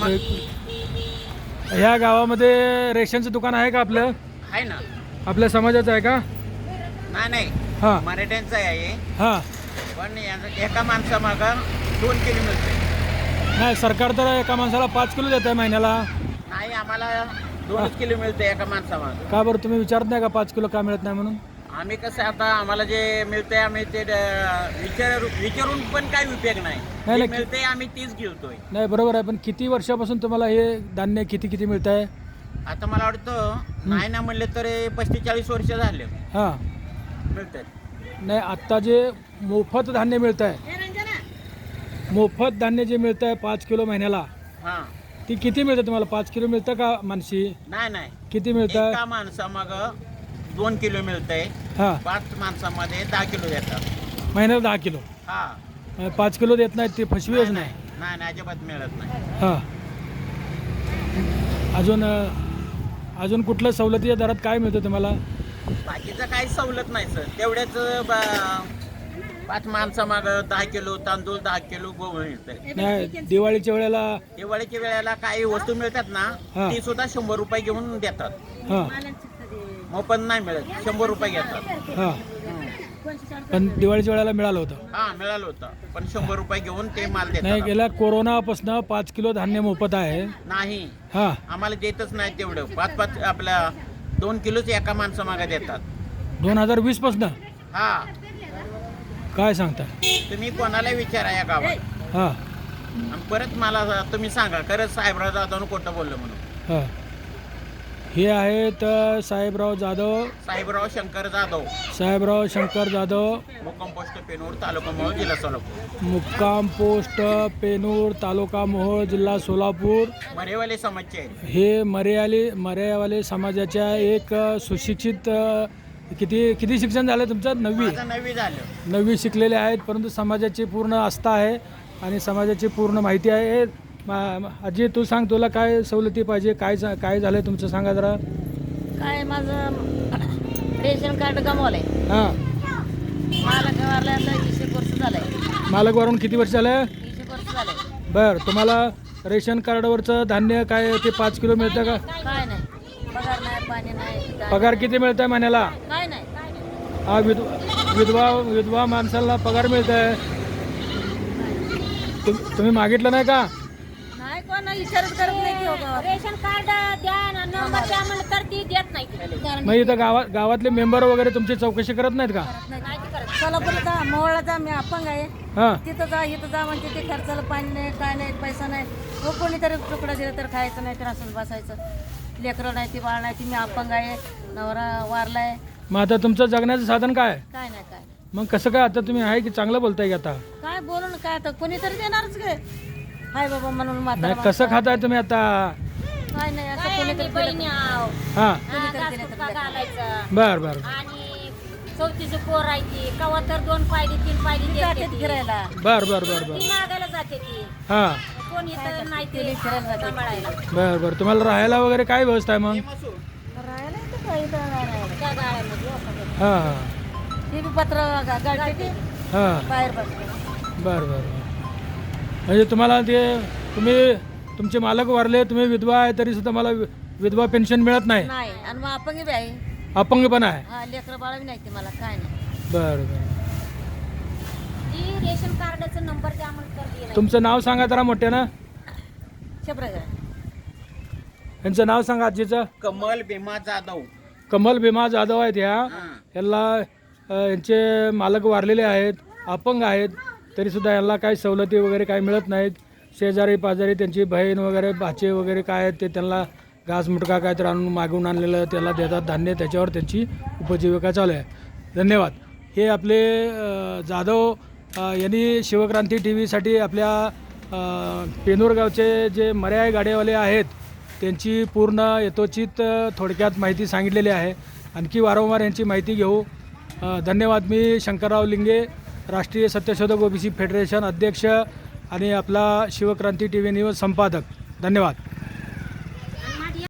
ह्या गावामध्ये रेशनचं दुकान आहे का आपलं? आहे ना. आपल्या समाजाचं आहे का? नाही हां मराठ्यांचं आहे हां. पण एका माणसामागं 2 किलो मिळते. नाही, सरकार तर एका माणसाला 5 किलो देत आहे महिन्याला. नाही आम्हाला 2 किलो मिळते एका माणसामागं. का बरं तुम्ही विचारत नाही का 5 किलो का मिळत नाही म्हणून? आम्ही कसं आता आम्हाला जे मिळते आम्ही ते विचारून पण काही उपयोग नाही. नाही, जे नाही. मिळते आम्ही तीच घेतोय. नाही बरोबर आहे, पण किती वर्षापासून तुम्हाला हे धान्य किती मिळत आहे? आता मला वाटतं नाही ना म्हणले तर 35-40 वर्ष झाले हां. मिळतात. नाही, आत्ता जे मोफत धान्य मिळत आहे, मोफत धान्य जे मिळतं आहे 5 किलो महिन्याला, हां ती किती मिळतं तुम्हाला? 5 किलो मिळतं का मानसी? नाही किती मिळतं? एका माणसामागं 2 किलो मिळतंय. हां. 5 माणसामध्ये 10 किलो देतात. महिन्याला 10 किलो. हा 5 किलो देत नाहीत, ते फसवीच नाही. नाही अजिबात मिळत नाही. हां. अजून कुठल्या सवलतीच्या दरात काय मिळतं तुम्हाला? बाकीचं काही सवलत नाही सर. तेवढ्याच 5 माणसामागं 10 किलो तांदूळ, 10 किलो गहू मिळतंय. नाही, दिवाळीच्या वेळेला. दिवाळीच्या वेळेला काही वस्तू मिळतात ना, हा. ती सुद्धा 100 रुपये घेऊन देतात. हां मोफत नाही मिळत, 100 रुपये घेतात. हां. पण दिवाळीच्या वेळेला मिळालं होतं. हा मिळालं होतं पण 100 रुपये घेऊन ते माल नाही, देतात. गेल्या कोरोनापासून 5 किलो धान्य मोफत आहे. नाही हां. आम्हाला देतच नाही तेवढं. 5 आपल्या 2 किलोच एका माणसामागे देतात. 2020 पासून हा काय सांगता? तुम्ही कोणाला विचारा या गावात. हां आणि परत मला तुम्ही सांगा खरंच साहेबराव जाधव खोटं बोललं म्हणून. हां. हे आहेत साहेबराव जाधव, साहेबराव शंकर जाधव, साहेबराव शंकर जाधव, मुक्काम पोस्ट पेनूर तालुका मोहोळ जिल्हा सोलापूर. मुक्काम पोस्ट पेनूर, तालुका मोहोळ, जिल्हा सोलापूर. मरेवाले समाजचे हे मर्यावाले समाजाच्या एक सुशिक्षित किती शिक्षण झालं तुमचं? 9वी. माझं 9वी झालं. 9वी शिकलेले आहेत, परंतु समाजाची पूर्ण आस्था आहे आणि समाजाची पूर्ण माहिती आहे. आजी तू सांग, तुला काय सवलती पाहिजे? काय झालं आहे तुमचं, सांगा जरा. काय माझं रेशन कार्ड गमावलंय. हां. मालक वारला आता 20 वर्ष झालंय. मालक वरून किती वर्ष झालं? 20 वर्ष झालंय. बरं, तुम्हाला रेशन कार्डवरचं धान्य काय ते 5 किलो मिळतं का? काय नाही, पगार नाही, पाणी नाही, काय पगार किती मिळत आहे महिन्याला? काय नाही. हा विधवा माणसाला पगार मिळत आहे. तुम्ही मागितलं नाही का? नाही, कोण विचारच करत नाही की हो गावात. रेशन कार्ड द्या नंबर द्या म्हणलं तर ती देत नाही. मग इथं गावातले मेंबर वगैरे तुमची चौकशी करत नाहीत का? नाही ती करत. सोलापूरचा मोहळाचा मी अपंग आहे. हां. तिथं जा इथं जा म्हणते ते खर्चाला पाणी नाही, काय नाही, पैसा नाही. हो कोणीतरी तुकडा दिला तर खायचं, नाही तर असंच बसायचं. लेकरं नाही, ती बाळ नाही, ती मी अपंग आहे, नवरा वारलाय. मग आता तुमचं जगण्याचं साधन काय? काय नाही काय मग कसं काय? आता तुम्ही आहे की चांगलं बोलताय की आता? काय बोलून काय आता कोणीतरी देणारच गे. हाय बाबा म्हणून नाही, म्हातारा कसं खाताय तुम्ही आता? काय नाही असं कोणीतरी बहिणी हां. घालायचं बर बर आणि चौथीचे पोर आहे ती कवा तर 2 पायली 3 पायली जाते फिरायला. बर बर बर बर. ती मागायला जाते ती. हां. कोणी तर नाही ते फिरायला सांभाळायला. बर बर. तुम्हाला राहायला वगैरे काय व्यवस्था आहे मग? राहायला तर काही तर नाही राहायला. त्या गाळ्यामध्ये हां हां ती बी पत्र गाडते हां. बाहेर बसते. बर बर. म्हणजे तुम्हाला ते तुमचे मालक वारले, तुम्ही विधवा आहे तरी सुद्धा मला विधवा पेन्शन मिळत नाही? नाही आणि मग अपंग बी आहे. अपंग पण आहे? हा लेकरं बाळ बी नाही ते मला काय नाही. बर बर. ती रेशन कार्डाचा नंबर द्या म्हणून तुमचं नाव सांगा जरा मोठ्यानं. शब्द यांचं नाव सांगा आजीचं. कमल भीमा जाधव. कमल भीमा जाधव आहेत ह्या. हां. यांना यांचे मालक वारलेले आहेत, अपंग आहेत, तरीसुद्धा यांना काही सवलती वगैरे काही मिळत नाहीत. शेजारी पाजारी त्यांची बहीण वगैरे भाचे वगैरे काय आहेत ते त्यांना घास मुटका काय तर आणून मागून आणलेलं त्याला देतात धान्य, त्याच्यावर त्यांची उपजीविका चालू आहे. धन्यवाद. हे आपले जाधव यांनी शिवक्रांती टी व्हीसाठी आपल्या पेनूर गावचे जे मर्याय गाड्यावाले आहेत त्यांची पूर्ण यथोचित थोडक्यात माहिती सांगितलेली आहे. आणखी वारंवार यांची माहिती घेऊ. धन्यवाद. मी शंकरराव लिंगे, राष्ट्रीय सत्यशोधक ओबीसी फेडरेशन अध्यक्ष आणि आपला शिवक्रांती टी व्ही न्यूज संपादक. धन्यवाद.